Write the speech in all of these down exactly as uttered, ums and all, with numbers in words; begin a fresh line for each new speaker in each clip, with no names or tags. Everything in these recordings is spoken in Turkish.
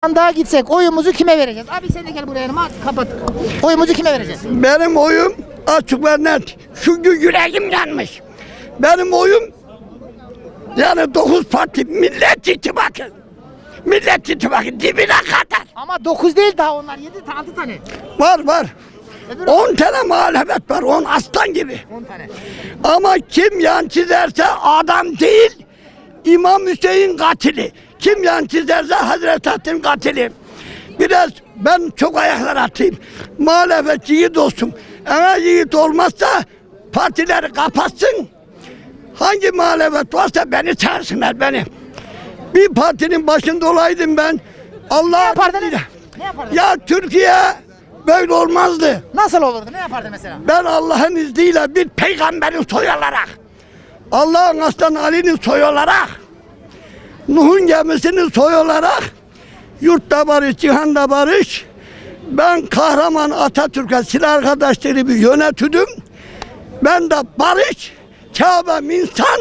Sandığa gitsek oyumuzu kime vereceğiz? Abi sen de gel buraya yanıma kapat. Oyumuzu kime vereceğiz?
Benim oyum açık ve net. Çünkü yüreğim yanmış. Benim oyum yani dokuz parti Millet İttifakı. Millet İttifakı dibine kadar.
Ama dokuz değil daha onlar yedi altı tane.
Var var.
Öbür
on tane muhalefet var. on aslan gibi.
on tane.
Ama kim yan çizerse adam değil, İmam Hüseyin katili. Kim yan çizerse Hazreti Hatim katili. Biraz ben çok ayaklar atayım. Muhalefet yiğit olsun. Eğer yiğit olmazsa partileri kapatsın. Hangi muhalefet varsa beni çağırsınlar beni. Bir partinin başında olaydım ben. Allah
Ne yapardınız? Ne yapardınız?
Ya Türkiye böyle olmazdı.
Nasıl olurdu? Ne yapardı mesela?
Ben Allah'ın izniyle bir peygamberin soyu olarak, Allah'ın aslan Ali'nin soyu olarak, Nuh'un gemisinin soyu olarak, yurtta barış, cihanda barış, ben kahraman Atatürk'e silah arkadaşları bir yönetüdüm. Ben de barış, Kabe'm insan,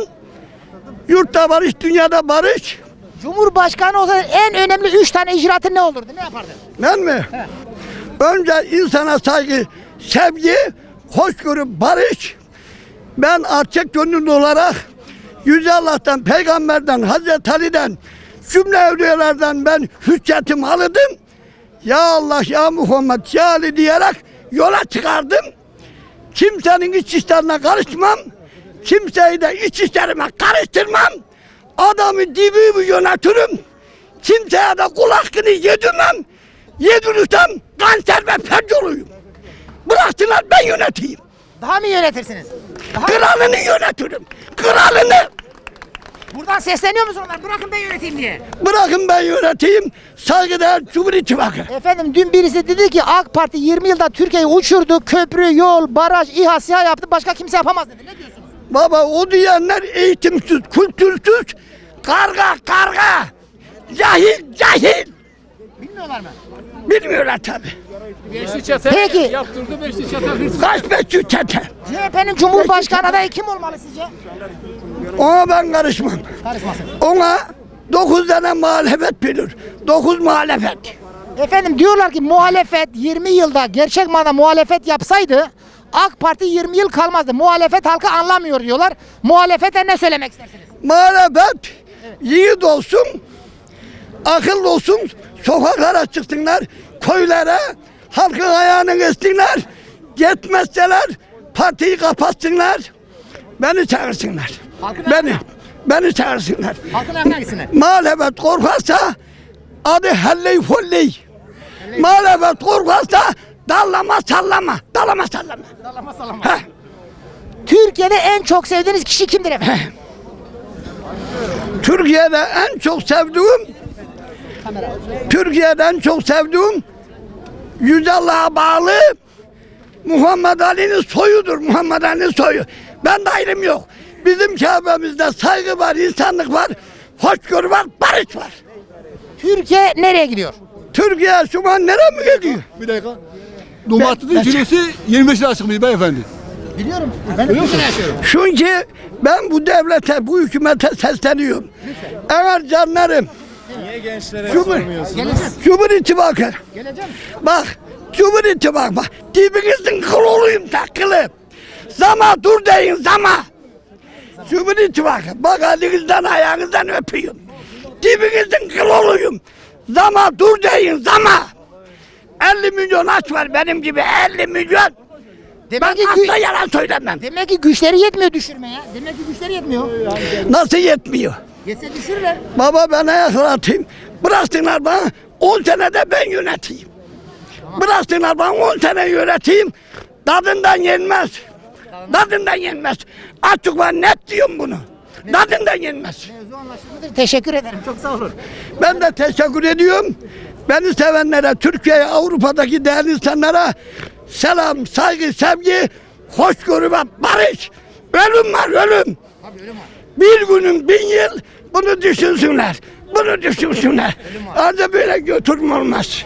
yurtta barış, dünyada barış.
Cumhurbaşkanı olsa en önemli üç tane icraatın ne olurdu? Ne yapardın?
Ben mi?
He.
Önce insana saygı, sevgi, hoşgörü, barış. Ben alçak gönüllü olarak Yüce Allah'tan, Peygamber'den, Hazreti Ali'den, cümle evliyalardan ben hüccetimi aldım. Ya Allah, ya Muhammed, ya Ali diyerek yola çıkardım. Kimsenin iç işlerine karışmam. Kimseyi de iç işlerime karıştırmam. Adamı dibimi yönetirim. Kimseye de kul hakkını yedirmem. Yedirirsem kanser ve felç olayım. Bıraktılar ben yöneteyim.
Daha mı yönetirsiniz? Daha
Kralını yönetirim. Kralını.
Buradan sesleniyor musun onlar? Bırakın ben yöneteyim diye.
Bırakın ben yöneteyim. Saygıdeğer Cumhur İttifakı.
Efendim dün birisi dedi ki AK Parti yirmi yılda Türkiye'yi uçurdu. Köprü, yol, baraj, İHA, SİHA yaptı. Başka kimse yapamaz dedi. Ne diyorsunuz?
Baba o diyenler eğitimsiz, kültürsüz, karga karga, cahil cahil.
Bilmiyorlar mı?
Bilmiyorlar tabi.
Beşli çete
Peki.
yaptırdı, beşli çete hırsız.
Kaç beş çete.
C H P'nin Cumhurbaşkanı adayı kim olmalı sizce?
Ona ben karışmam.
Karışmasın.
Ona dokuz tane muhalefet bilir. Dokuz muhalefet.
Efendim diyorlar ki muhalefet yirmi yılda gerçek manada muhalefet yapsaydı AK Parti yirmi yıl kalmazdı. Muhalefet halkı anlamıyor diyorlar. Muhalefete ne söylemek istersiniz?
Muhalefet yiğit olsun, akıllı olsun, sokaklara çıksınlar, köylere, halkın ayağını kessinler, yetmezseler partiyi kapatsınlar, beni çağırsınlar.
Halkın
Beni, beni çağırsınlar.
Halkın aklına gitsinler.
Muhalefet korkarsa adı helley folley. Muhalefet korkarsa dallama sallama, dallama sallama.
Sallama sallama.
Heh.
Türkiye'de en çok sevdiğiniz kişi kimdir efendim?
Türkiye'de en çok sevdiğim Türkiye'de en çok sevdiğim Yüce Allah'a bağlı Muhammed Ali'nin soyudur. Muhammed Ali'nin soyu. Ben de ayrım yok. Bizim Kabe'mizde saygı var, insanlık var, hoşgörü var, barış var.
Türkiye nereye gidiyor?
Türkiye şu an nereye mi gidiyor?
Bir dakika. Domatesin kilosu yirmi beş lira çıkmış beyefendi.
Biliyorum. Ben de Türkiye'de yaşıyorum.
Çünkü ben bu devlete, bu hükümete sesleniyorum. Eğer canlarım
Niye gençlere
Cumhur,
Geleceğim.
Cumhur İttifakı
Geleceğim.
bak Cumhur İttifakı bak dibinizin kıl olayım takılı. Zama dur deyin zama. Cumhur İttifakı bak elinizden ayağınızdan öpüyorum. Dibinizin kıl olayım. Zama dur deyin zama. elli milyon aç var benim gibi elli milyon.
Demek
Ben
ki,
asla
gü-
yalan söylemem.
demek ki güçleri yetmiyor düşürmeye. Demek ki güçleri yetmiyor.
Nasıl yetmiyor?
Yetse düşürürler.
Baba ben ayaklar atayım. Bıraksınlar bana on senede ben yöneteyim. Bıraksınlar bana on sene yöneteyim. Tadından yenmez. Tadından yenmez. Açık var net diyorum bunu. Tadından yenmez.
Mevzu anlaşılmıştır. Teşekkür ederim. Çok sağ olun.
Ben de teşekkür ediyorum. Beni sevenlere, Türkiye'ye, Avrupa'daki değerli insanlara selam, saygı, sevgi, hoşgörü ve barış. Ölüm var, ölüm.
Abi öyle mi?
Bir günün bin yıl bunu düşünsünler. Bunu düşünsünler. Ancak böyle götürme olmaz.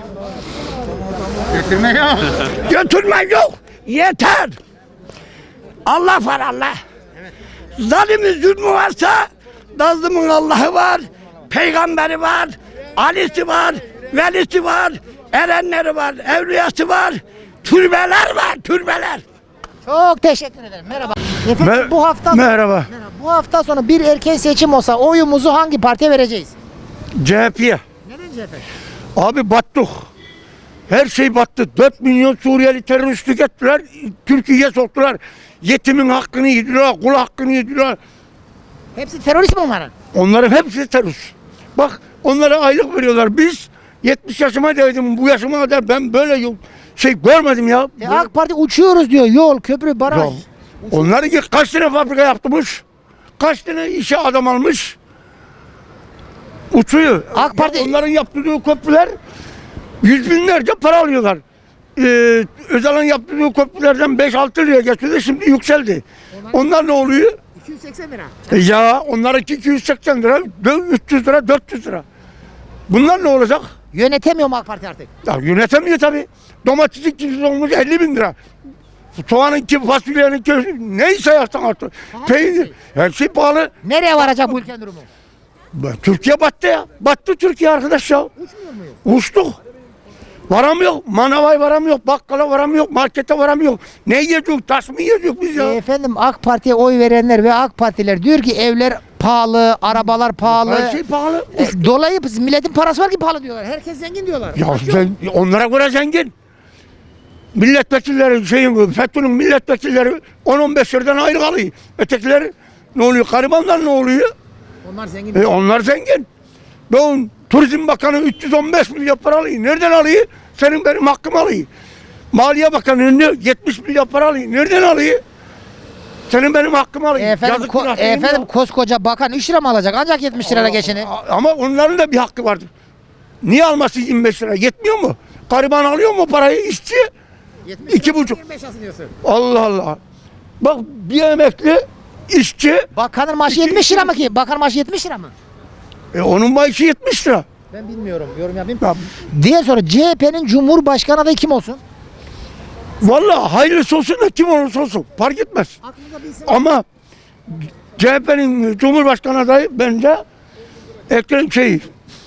Götürme yok.
Götürme yok. Yeter. Allah var Allah. Zalimin zulmü varsa Nazım'ın Allah'ı var. Peygamberi var. Ali'si var. velisi var, erenleri var, evliyası var, türbeler var, türbeler.
Çok teşekkür ederim. Merhaba. Efendim
Mer-
bu hafta
Merhaba.
Merhaba. Bu hafta sonu bir erken seçim olsa oyumuzu hangi partiye vereceğiz?
C H P'ye.
Neden C H P?
Abi battık. Her şey battı. dört milyon Suriyeli teröristlik ettiler. Türkiye'ye soktular. Yetimin hakkını yediler, kul hakkını yediler.
Hepsi terörist mi onların?
Onların hepsi terörist. Bak onlara aylık veriyorlar. Biz yetmiş yaşıma değdim. Bu yaşıma kadar ben böyle yol şey görmedim ya.
E, AK Parti uçuyoruz diyor. Yol, köprü, baraj.
Ya, onları ki kaç tane fabrika yaptırmış? Kaç tane işe adam almış? Uçuyor.
AK Parti-
Ya onların yaptırdığı köprüler yüz binlerce para alıyorlar. Ee, Özal'ın yaptırdığı köprülerden beş altı liraya geçiyordu, şimdi yükseldi. Onlar ne oluyor?
iki yüz seksen lira.
E ya onlarınki iki yüz seksen lira, üç yüz lira, dört yüz lira. Bunlar ne olacak?
Yönetemiyor mu AK Parti artık?
Ya yönetemiyor tabii. Domatesin kilosu olmuş elli bin lira. Soğanın ki, fasulyenin ki, neyse yapsan artık. Peynir, her şey pahalı.
Nereye varacak bu ülkenin durumu?
Türkiye battı ya. Battı Türkiye arkadaş ya.
Uçmuyor muyuz?
Uçtuk. Varamıyor. Manavaya varamıyor. Bakkala varamıyor. Markete varamıyor. Ne yiyecek? Taş mı yiyecek biz ya?
E, efendim AK Parti'ye oy verenler ve AK Partiler diyor ki evler pahalı, arabalar pahalı.
Her şey pahalı.
E, dolayı milletin parası var ki pahalı diyorlar. Herkes zengin diyorlar.
Ya sen, onlara göre zengin. Milletvekilleri, şeyin, FETÖ'nün milletvekilleri on on beş liradan ayrı kalıyor. Ötekileri ne oluyor? Garibanlar ne oluyor?
Onlar zengin.
E onlar zengin. Ben Turizm Bakanı üç yüz on beş milyon para alıyor. Nereden alıyor? Senin benim hakkım alıyor. Maliye Bakanı yetmiş milyon para alıyor. Nereden alıyor? Senin benim hakkım alıyor.
E, efendim,
Yazık
ko-
günah
e,
değil mi
efendim
ya?
koskoca bakan üç lira mı alacak? Ancak yetmiş lirayla geçinir.
A- Ama onların da bir hakkı vardır. Niye alması yirmi beş lira? Yetmiyor mu? Gariban alıyor mu parayı? İşçi?
yetmiş
iki
lira,
buçuk.
yirmi beş alsın diyorsun.
Allah Allah. Bak bir emekli işçi,
Bakanın maaşı
İki-
yetmiş lira mı ki? Bakan maaşı yetmiş lira mı?
e, onun maaşı yetmiş lira.
Ben bilmiyorum. Yorum yapayım.
Ya,
Diye sonra C H P'nin Cumhurbaşkanı adayı kim olsun?
vallahi hayırlısı olsun da kim olursa olsun fark etmez.
Aklınızda bir isim.
Ama C H P'nin Cumhurbaşkanı adayı bence Ekrem şey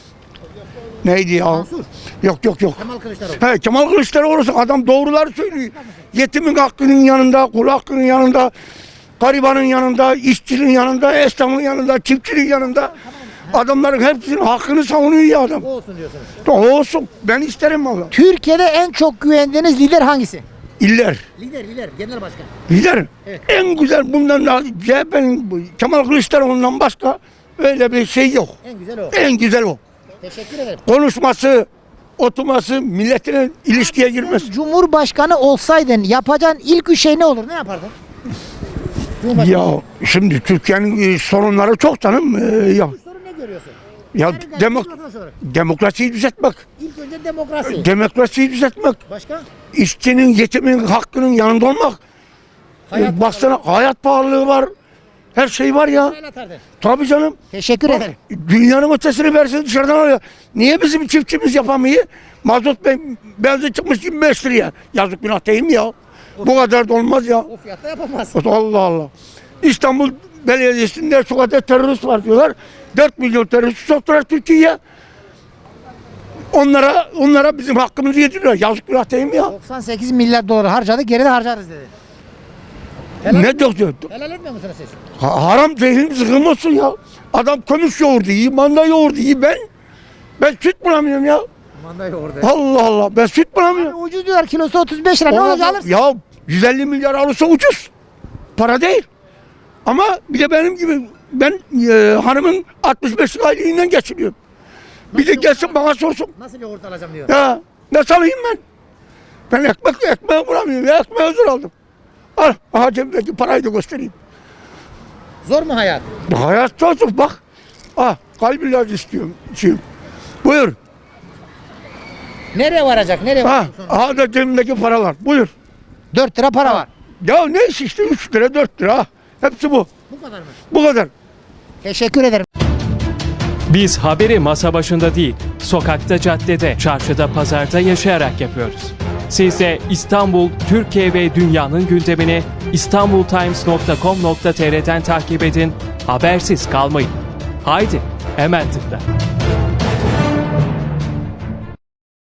neydi ya?
Mansur.
Yok yok yok.
Kemal Kılıçdaroğlu.
He, Kemal Kılıçdaroğlu olsun, adam doğruları söylüyor. Yetimin hakkının yanında, kul hakkının yanında, garibanın yanında, işçinin yanında, esnafın yanında, çiftçinin yanında. Adamların hepsinin hakkını savunuyor ya adam.
O olsun diyorsunuz.
O olsun. Ben isterim valla.
Türkiye'de en çok güvendiğiniz lider hangisi?
İller.
Lider, lider, genel başkan.
Lider.
Evet.
En güzel bundan da C H P'nin Kemal Kılıçdaroğlu'ndan başka öyle bir şey yok.
En güzel o.
En güzel o.
Teşekkür ederim.
Konuşması, oturması, milletine ilişkiye girmesi.
Cumhurbaşkanı olsaydın yapacağın ilk üç şey ne olur? Ne yapardın? Cumhurbaşkanı.
Ya şimdi Türkiye'nin e, sorunları çok canım. E, ya
Sorun ne görüyorsun?
ya
Yarın
demok
gazeteci vatandaş olarak.
demokrasiyi düzeltmek.
İlk önce demokrasi.
Demokrasiyi düzeltmek.
Başka?
İşçinin, yetimin hakkının yanında olmak.
Hayat
E, baksana hayat pahalılığı var. Her şey var ya.
El atardın.
Tabii canım.
Teşekkür ederim.
Dünyanın ötesini versin dışarıdan alıyor. Niye bizim çiftçimiz yapamıyor? Mazot be- benzin çıkmış yirmi beş liraya. Yazık günah değil mi ya? Bu kadar da olmaz ya.
O fiyatta yapamaz.
Allah Allah. İstanbul Belediyesi'nde şu kadar terörist var diyorlar. dört milyon terörist soktular Türkiye'ye. Onlara onlara bizim hakkımızı yediriyor. Yazık günah değil mi ya?
doksan sekiz milyar dolar harcadı, geri de harcarız dedi.
Ne diyor?
Helal etmiyor musunuz siz?
Ha- Haram zehrim zıkkım olsun ya. Adam kömüş yoğurdu iyi, manda yoğurdu iyi. Ben ben süt bulamıyorum ya.
Manda orada.
Allah Allah, ben süt bulamıyorum.
Ucuz diyorlar, kilosu otuz beş lira. Ne olacak alırsın?
Ya yüz elli milyar alırsa ucuz. Para değil. Ama bir de benim gibi ben e, hanımın altmış beş aylığından geçiniyorum. Bir de gelsin bana sorsun.
Nasıl yoğurt alacağım diyor.
Ya nasıl alayım ben? Ben ekmek ekmeği bulamıyorum. Ya ekmeği zor aldım. Al, aha cebimdeki parayı da göstereyim.
Zor mu hayat?
Bu hayat çocuk bak. Ah, kalp ilacı istiyorum. içeyim. Buyur.
Nereye varacak? Nereye
Ha,
varacak sonra?
aha da cebimdeki paralar. Buyur.
dört lira para var.
Ya neyse işte üç lira dört lira. Hepsi bu.
Bu kadar mı?
Bu kadar.
Teşekkür ederim.
Biz haberi masa başında değil, sokakta, caddede, çarşıda, pazarda yaşayarak yapıyoruz. Siz de İstanbul, Türkiye ve dünyanın gündemini istanbultimes nokta com nokta tr'den takip edin, habersiz kalmayın. Haydi, hemen tıkla.